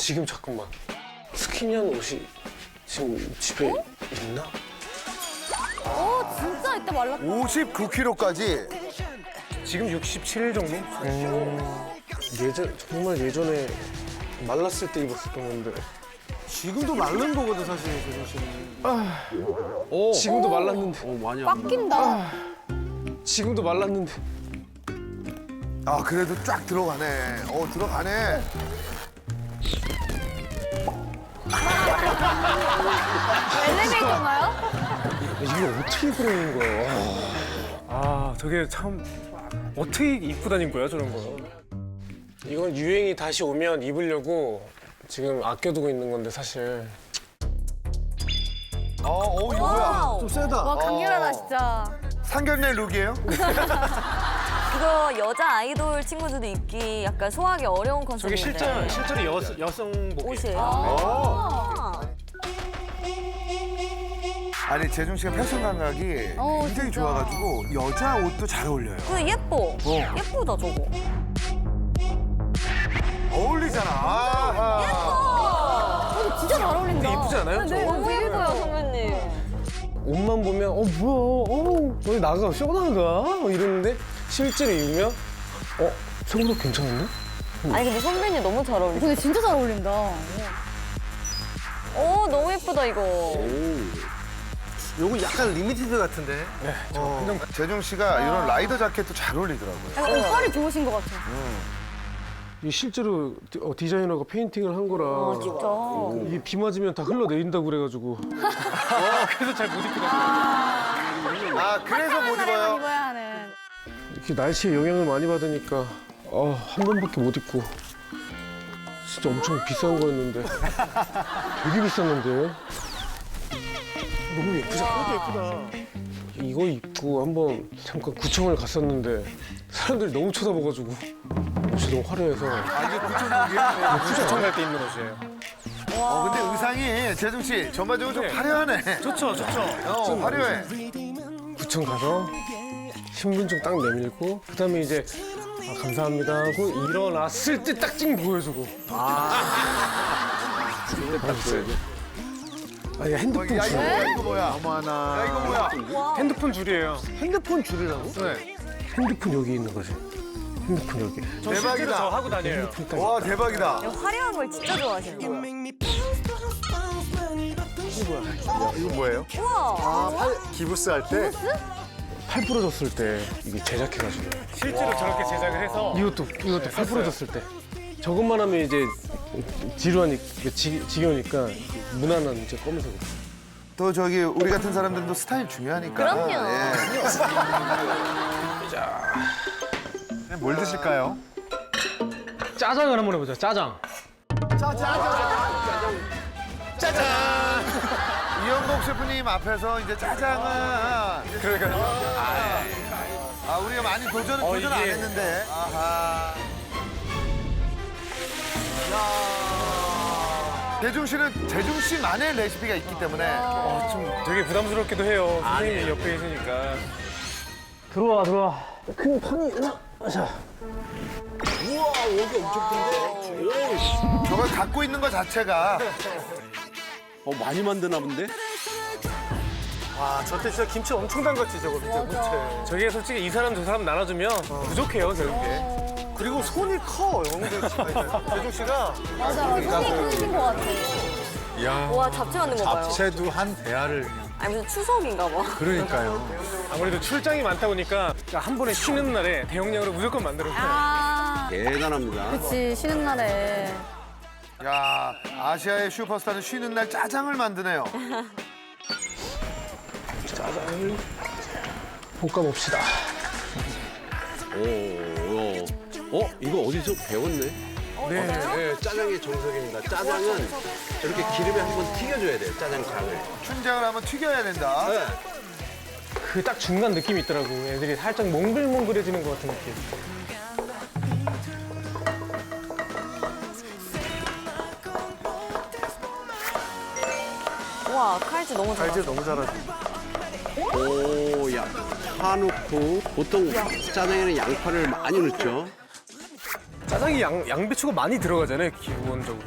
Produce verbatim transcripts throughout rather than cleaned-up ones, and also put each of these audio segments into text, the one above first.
지금 잠깐만. 스키니한 옷이 지금 집에 어? 있나? 어, 진짜 이때 말랐다. 오십구 킬로그램까지. 지금 육십칠 일 정도? 음, 예전 정말 예전에 말랐을 때 입었었던 건데. 지금도 마른 거거든 사실 재준 씨는. 오, 지금도 말랐는데. 어, 많이 꽉 낀다. 지금도 말랐는데. 아 그래도 쫙 들어가네. 어 들어가네. 엘리베이터인가요? 이게 어떻게 그러는 거야? 아 저게 참 어떻게 입고 다닌 거야 저런 거. 이건 유행이 다시 오면 입으려고 지금 아껴두고 있는 건데 사실. 어, 어 이거 뭐야? 와우. 좀 세다. 와, 강렬하다, 어. 진짜. 상견례 룩이에요? 이거 여자 아이돌 친구들도 입기 약간 소화하기 어려운 저게 컨셉인데. 실제 실제로 여, 여성복이에요. 옷이에요. 아. 아니 재중 씨가 패션 감각이 어, 굉장히 진짜. 좋아가지고 여자 옷도 잘 어울려요. 근데 예뻐. 예쁘다 저거. 어울리잖아. 아하. 어, 진짜 잘 어울린다. 이쁘지 않아요? 네, 너무 되게 예뻐요 예뻐요. 선배님. 옷만 보면 어 뭐야? 어 어디 나가 쇼나가? 어, 이러는데 실제로 입으면 어 생각보다 괜찮은데? 아니 근데 선배님 너무 잘 어울리세요. 근데 진짜 잘 어울린다. 오 너무 예쁘다 이거. 요거 약간 리미티드 같은데. 어, 재중 씨가 이런 라이더 자켓도 잘 어울리더라고요. 약간 옷빨이 좋으신 것 같아. 이 실제로 디, 어, 디자이너가 페인팅을 한 거라. 아 진짜. 이게 비 맞으면 다 흘러내린다고 그래가지고. 그래서 잘 못 입게 됐어. 아 그래서 못 날에만 입어요? 입어야 하는. 이렇게 날씨에 영향을 많이 받으니까 어, 한 번밖에 못 입고. 진짜 엄청 비싼 거였는데. 되게 비쌌는데. 너무 예쁘지 않아? 예쁘다. 이거 입고 한번 잠깐 구청을 갔었는데 사람들이 너무 쳐다봐가지고 옷이 너무 화려해서 아 이게 구청룩이에요? 구청 갈 때 입는 옷이에요. 어 근데 의상이 재중 씨 전반적으로 좀 화려하네. 좋죠 좋죠. 어 화려해. 구청 가서 신분증 딱 내밀고 그다음에 이제 아, 감사합니다 하고 일어났을 때 딱 찍 보여주고. 아. 딱 보여줘. 아니 핸드폰 야 줄. 이거 뭐야 이거 뭐야? 어머나. 야 이거 뭐야? 핸드폰 줄이에요. 핸드폰 줄이라고? 네. 핸드폰 여기 있는 거지. 핸드폰 여기. 저 실제로 대박이다. 저 하고 다녀요. 핸드폰 딱 와 대박이다. 화려한 걸 진짜 좋아하시는 거예요. 이거 뭐예요? 우와. 기부스 할 때? 팔 부러졌을 때 이게 제작해가지고. 실제로 저렇게 제작을 해서. 이것도 이것도 팔 부러졌을 때. 저것만 하면 이제 지루하니까 지, 지겨우니까 무난한 이제 검은색. 또 저기 우리 같은 사람들도 스타일 중요하니까. 그럼요. 예. 뭘 드실까요? 짜장을 한번 해보자. 짜장. 이영복 셰프님 앞에서 이제 짜장은 그러니까 아 우리가 많이 도전 어, 도전 안 이게- 했는데. 아하. 야. 대중 씨는 재중 씨만의 레시피가 있기 때문에 어, 좀 되게 부담스럽기도 해요. 선생님이 옆에 계시니까. 들어와 들어와. 큰 판이 나. 자. 저걸 갖고 있는 것 자체가 어, 많이 만드나 본데? 와, 저때 진짜 김치 엄청 담갔지, 저거 밑에 무채. 저게 솔직히 이 사람 저 사람 나눠주면 부족해요, 저게. 그리고 손이 커, 영대 씨가. 대중 씨가. 맞아, 손이 크신 것 같아. 와 잡채 만든 거 봐요. 채도 한 대야를 아니 무슨 추석인가 봐. 그러니까요. 아무래도 출장이 많다 보니까 한 번에 쉬는 날에 대용량으로 무조건 만들어요. 아, 대단합니다. 그치, 쉬는 날에. 야 아시아의 슈퍼스타는 쉬는 날 짜장을 만드네요. 짜장을 볶아봅시다. 오, 오. 어? 이거 어디서 배웠네? 네. 네, 짜장의 정석입니다. 짜장은 저렇게 기름에 한번 튀겨줘야 돼요, 짜장장을. 춘장을 한번 튀겨야 된다. 네. 그 딱 중간 느낌이 있더라고. 애들이 살짝 몽글몽글해지는 것 같은 느낌. 와 칼질 너무 잘하 알지 너무 잘하지. 오, 야, 파 넣고 보통 짜장에는 양파를 많이 넣죠. 짜장이 양, 양배추가 많이 들어가잖아요, 기본적으로.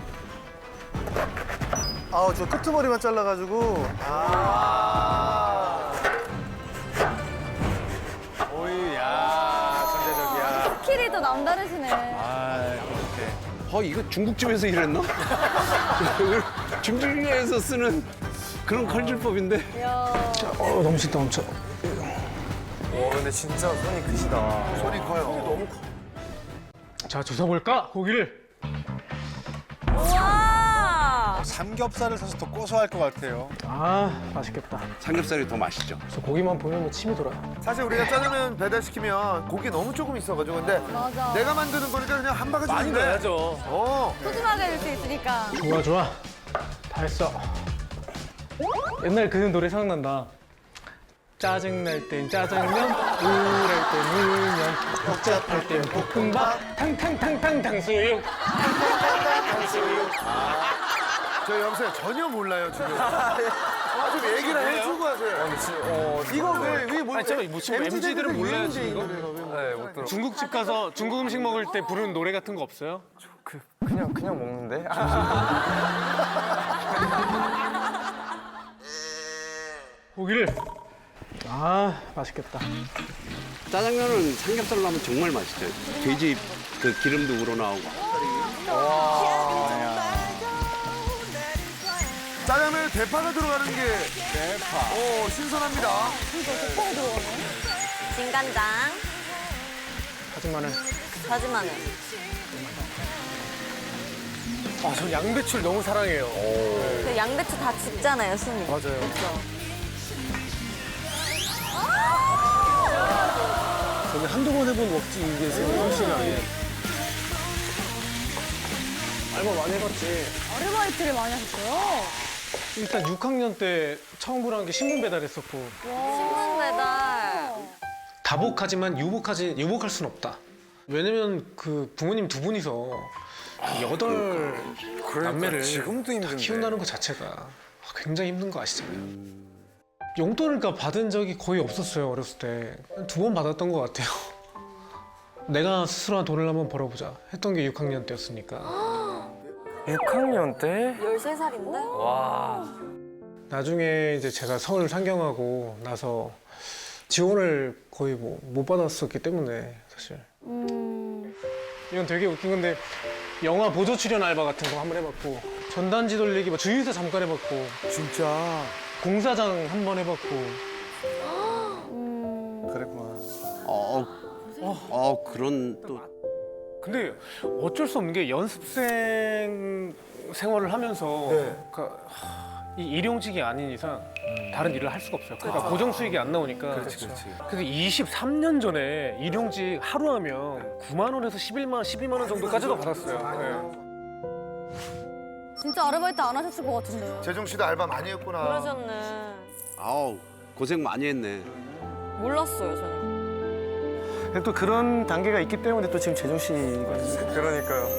아, 저 끄트머리만 잘라가지고. 아. 오이, 야, 전자적이야. 스킬이 또 남다르시네. 어, 이거 중국집에서 일했나? 중국집에서 쓰는 그런 칼질법인데. 이야. 어, 너무 진다 엄청. 와, 근데 진짜 손이 크시다. 손이 커요. 너무 커. 자, 조사볼까? 고기를. 우와! 삼겹살을 사서 더 고소할 것 같아요. 아, 맛있겠다. 삼겹살이 더 맛있죠. 저 고기만 보면 침이 돌아요. 사실 우리가 짜장면 배달시키면 고기 너무 조금 있어가지고 근데 맞아. 내가 만드는 거니까 그냥 한 바가지 많이 넣네. 넣어야죠. 어. 푸짐하게 해줄 수 있으니까. 좋아, 좋아. 다 했어. 옛날 그 노래 생각난다. 짜증날 땐 짜장면, 우울할 땐 울면, 복잡할 땐 볶음밥, 탕탕탕탕 탕수육. 저 여보세요 전혀 몰라요 지금. 아, 좀 얘기를 해주고 하세요. 어, 이거 왜, 왜 뭐, 아니, 저, 뭐 지금 엠지들은 몰라야지, 이거? 네, 네, 못 들어. 중국집 가서 중국 음식 먹을 때 부르는 노래 같은 거 없어요? 그냥, 그냥 먹는데? 고기를. 아, 맛있겠다. 짜장면은 삼겹살로 하면 정말 맛있죠. 돼지 그 기름도 우러나오고. 짜장면에 대파가 들어가는 게 대파. 오 신선합니다. 진간장, 다진 마늘. 다진 마늘. 아, 전 양배추를 너무 사랑해요. 그 양배추 다 집잖아요, 순이. 맞아요. 저는 한두 번 해본 먹지 이게 생각이 아니에요. 알바 많이 해봤지. 아르바이트를 많이 하셨어요? 일단 육 학년 때 처음으로 한 게 신문 배달했었고. 신문 배달. 다복하지만 유복하지 유복할 수는 없다. 왜냐면 그 부모님 두 분이서 여덟 남매를 지금도 다 힘든데. 키운다는 것 자체가 굉장히 힘든 거 아시잖아요. 용돈을 그러니까 받은 적이 거의 없었어요. 어렸을 때 두 번 받았던 것 같아요. 내가 스스로 한 돈을 한번 벌어보자 했던 게 육 학년 때였으니까. 육 학년 때? 열세 살인데? 와. 나중에 이제 제가 서울 상경하고 나서 지원을 거의 뭐 못 받았었기 때문에 사실 음. 이건 되게 웃긴 건데 영화 보조 출연 알바 같은 거 한번 해봤고 전단지 돌리기 뭐 주유소 잠깐 해봤고 진짜. 공사장 한 번 해봤고 음. 그랬구나. 어, 어, 그런 또 근데 어쩔 수 없는 게 연습생 생활을 하면서 네. 그러니까 하, 이 일용직이 아닌 이상 다른 일을 할 수가 없어요. 그러니까 고정 수익이 안 나오니까. 그렇지 그렇지. 그래서 이십삼 년 전에 일용직 하루 하면 구만 원에서 십일만 원, 십이만 원 정도까지도 받았어요. 네. 진짜 아르바이트 안 하셨을 것 같은데. 재종 씨도 알바 많이 했구나. 그러셨네. 아우 고생 많이 했네. 몰랐어요, 저는. 근데 또 그런 단계가 있기 때문에 또 지금 재종 씨가 그러니까요.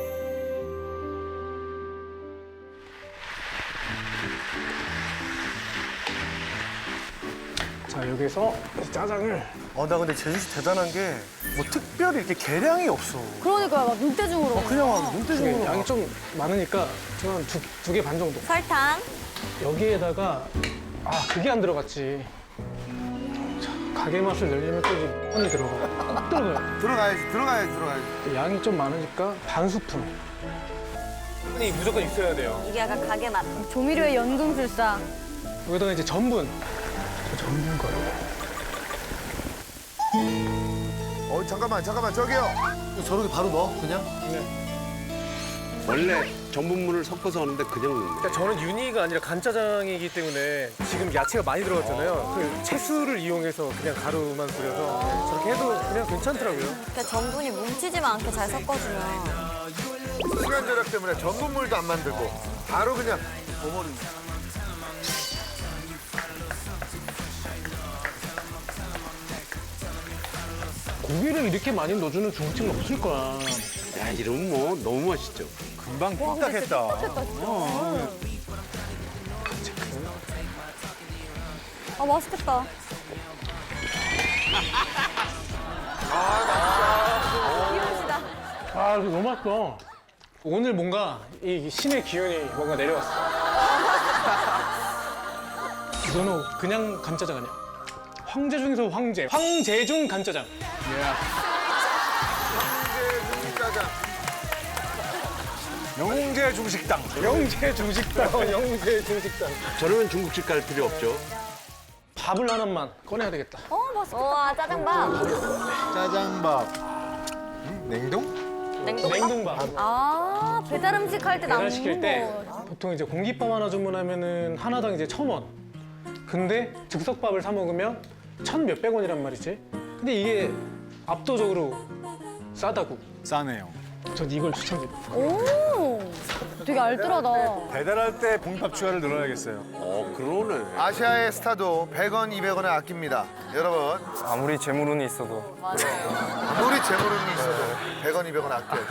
자 여기서 짜장을 어, 나 근데 재종 씨 대단한 게 뭐 특별히 이렇게 계량이 없어. 그러니까요, 막 눈대중으로. 어, 그냥 막 눈대중으로. 양이 좀 많으니까 저는 두 두 개 반 정도. 설탕. 여기에다가 아 그게 안 들어갔지. 자, 가게 맛을 내려면 또 이제 뻔히 들어가. 꼭 들어가요. 들어가야지 들어가야지 들어가야지. 양이 좀 많으니까 반 스푼. 이 무조건 있어야 돼요. 이게 약간 가게 맛. 조미료의 연금술사. 여기다가 이제 전분. 저 전분 거요. 어 잠깐만 잠깐만 저기요. 저렇게 바로 넣어, 그냥? 원래 전분물을 섞어서 하는데 그냥 넣는 거예요. 그러니까 저는 유니가 아니라 간짜장이기 때문에 지금 야채가 많이 들어갔잖아요. 그 채수를 이용해서 그냥 가루만 뿌려서 저렇게 해도 그냥 괜찮더라고요. 그러니까 전분이 뭉치지만 않게 잘 섞어주면. 시간 절약 때문에 전분물도 안 만들고 바로 그냥 버무리는. 고기를 이렇게 많이 넣어주는 중국집은 없을 거야. 야 이러면 뭐 너무 맛있죠. 금방 삐딱했다. 아, 맛있겠다. 아 맛있다. 귀여우시다. 아, 이거 너무 맛있어. 오늘 뭔가 이 신의 기운이 뭔가 내려왔어. 이거는 그냥 간짜장 아니야. 황제 중에서 황제. 황제중 간짜장. 짜장. 영웅제 중식당. 영재 중식당. 영재 중식당. 저러면 중국집 갈 필요 없죠. 밥을 하나만 꺼내야 되겠다. 어, 맛있겠다. 와 짜장밥. 짜장밥. 냉동? 냉동밥. 냉동밥. 아, 배달 음식 할 때 배달 남는 시킬 때 거. 보통 이제 공깃밥 하나 주문하면은 하나당 이제 천 원. 근데 즉석밥을 사 먹으면 천 몇백 원이란 말이지. 근데 이게 압도적으로 싸다고. 싸네요. 전 이걸 추천드립니다. 오, 되게 알뜰하다. 배달할 때 공깃밥 추가를 늘어야겠어요. 어, 그러네. 아시아의 스타도 백 원, 이백 원을 아낍니다. 여러분, 아무리 재물운이 있어도. 아무리 재물운이 있어도 백 원, 이백 원 아껴요.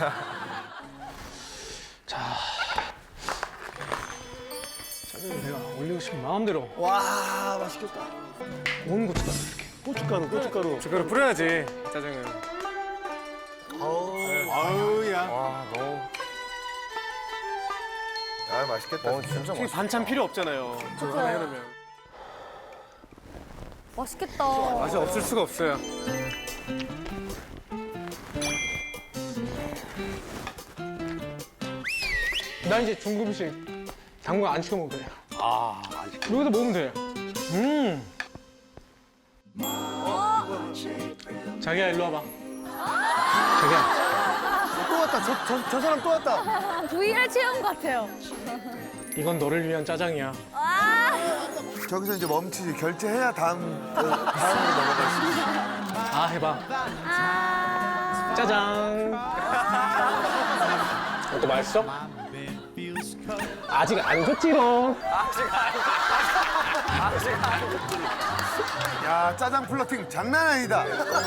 짜장면 내가 올리고 싶은 마음대로 와, 맛있겠다. 온 고춧가루 이렇게. 고춧가루, 고춧가루. 고춧가루 뿌려야지 짜장면. 아우야. 아, 맛있겠다. 진짜 솔직히 반찬 필요 없잖아요. 그거 하나 해놓으면. 맛있겠다. 맛이 없을 수가 없어요. 나 이제 중국 음식 당분 안 시켜 먹어도 돼요. 아, 안 시켜. 여기서 먹으면 돼. 음. 자기야 일로 와봐. 자기야. 또 왔다. 저, 저, 저 사람 또 왔다. 브이알 체험 같아요. 이건 너를 위한 짜장이야. 저기서 이제 멈추지. 결제해야 다음, 다음으로 넘어갈 수 있어. 아 해봐. 짜장. 어때 맛있어? 아직 안 줬지롱. 야, 짜장 플러팅 장난 아니다.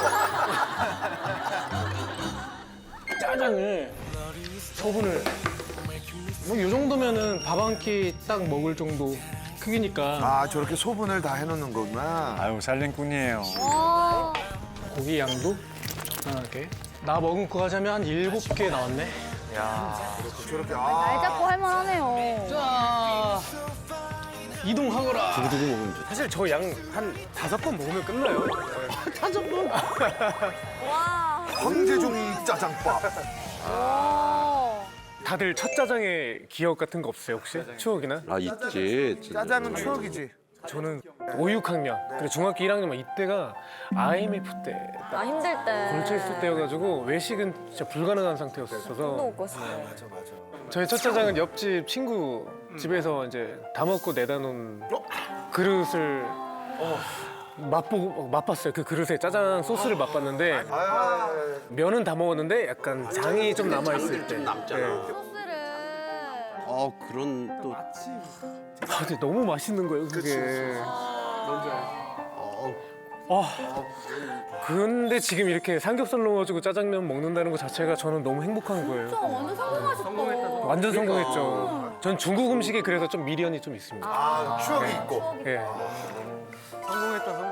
짜장을 소분을 뭐 이 정도면은 밥 한 끼 딱 먹을 정도 크기니까 아, 저렇게 소분을 다 해놓는 거구나. 아유, 살림꾼이에요. 와, 고기 양도 편하게 나 먹은 거 하자면 한 일곱 개 나왔네. 저렇게, 아. 날 잡고 할만하네요. 자 이동하거라. 두고두고 먹으면 좋다. 사실 저 양 한 다섯 번 먹으면 끝나요. 다섯 번? 와. 황제종 짜장밥. 와. 다들 첫 짜장의 기억 같은 거 없어요 혹시? 추억이나? 아, 있지. 진짜. 짜장은 추억이지. 저는 오, 육 학년 그리고 중학교 일 학년 이때가 아이엠에프 때 나 힘들 때. 걸쳐 있을 때여가지고 외식은 진짜 불가능한 상태였어서 또 먹고 싶어. 저희 첫 짜장은 옆집 친구 집에서 이제 다 먹고 내다 놓은 그릇을 맛보고 맛봤어요. 그 그릇에 짜장 소스를 맛봤는데 면은 다 먹었는데 약간 장이 좀 남아 있을 때. 남잖아. 소스를. 어, 그런 또. 아, 근데 너무 맛있는 거예요 그게. 아, 근데 지금 이렇게 삼겹살 넣어가지고 짜장면 먹는다는 것 자체가 저는 너무 행복한 거예요. 진짜 완전 성공하셨다. 완전 성공했죠. 전 중국 음식에 그래서 좀 미련이 좀 있습니다. 아, 추억이 있고. 예. 성공했다, 성공.